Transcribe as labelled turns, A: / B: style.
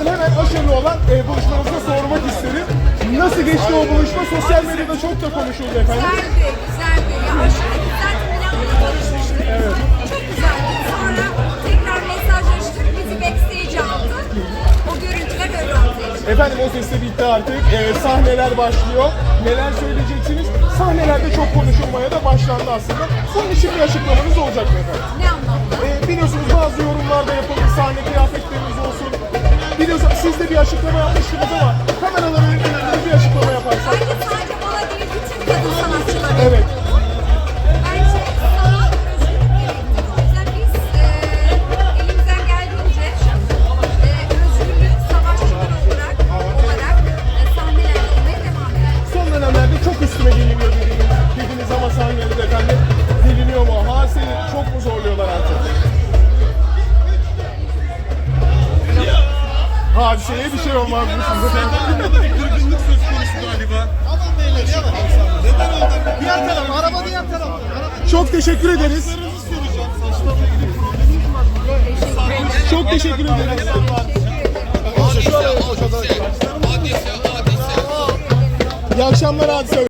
A: Efendim hemen aşırı olan buluşmanızda sormak isterim. Nasıl geçti o buluşma? Sosyal medyada çok da konuşuldu efendim.
B: Güzeldi. Ya aşırı güzel Milan'la tanışmıştık.
A: Evet.
B: Çok güzeldi. Sonra tekrar mesajlaştık. Bizi backstage aldı. O görüntüler öyle ortaya çıktı.
A: Efendim o ses de bitti artık. Sahneler başlıyor. Neler söyleyeceksiniz? Sahnelerde çok konuşulmaya da başlandı aslında. Bunun için bir açıklamanız olacak mı efendim?
B: Ne anlamda?
A: Biliyorsunuz bazı yorumlarda yapıldı. Sahne kıyafetleriniz olsun. Biliyorsunuz siz de bir açıklama yapmıştınız ama kameraların önünde bir açıklama yaparsak.
B: Sadece bana değil bütün kadın sanatçılara.
A: Evet.
B: Bence sanat özgürlük gerektirir. O yüzden biz elimizden geldiğince özgürlük savaşçıları olarak sahnelerde olmaya devam ediyoruz.
A: Son dönemlerde çok üstüme geliniyor dediniz ama sahnede efendim geliniyor mu? Seni çok mu zorluyorlar artık? Hadiseye bir şey olmaz mı sizde?
C: Burada bir kırgınlık söz konusu galiba.
D: Aman beyler yavaş.
C: Neden oldu?
D: Diğer taraf, araba diğer taraf.
A: Çok teşekkür ederiz.
C: Saçlarınızı soracağım. Saçlarla ilgili probleminiz var mı?
A: Çok teşekkür ederiz. İyi akşamlar Hadise.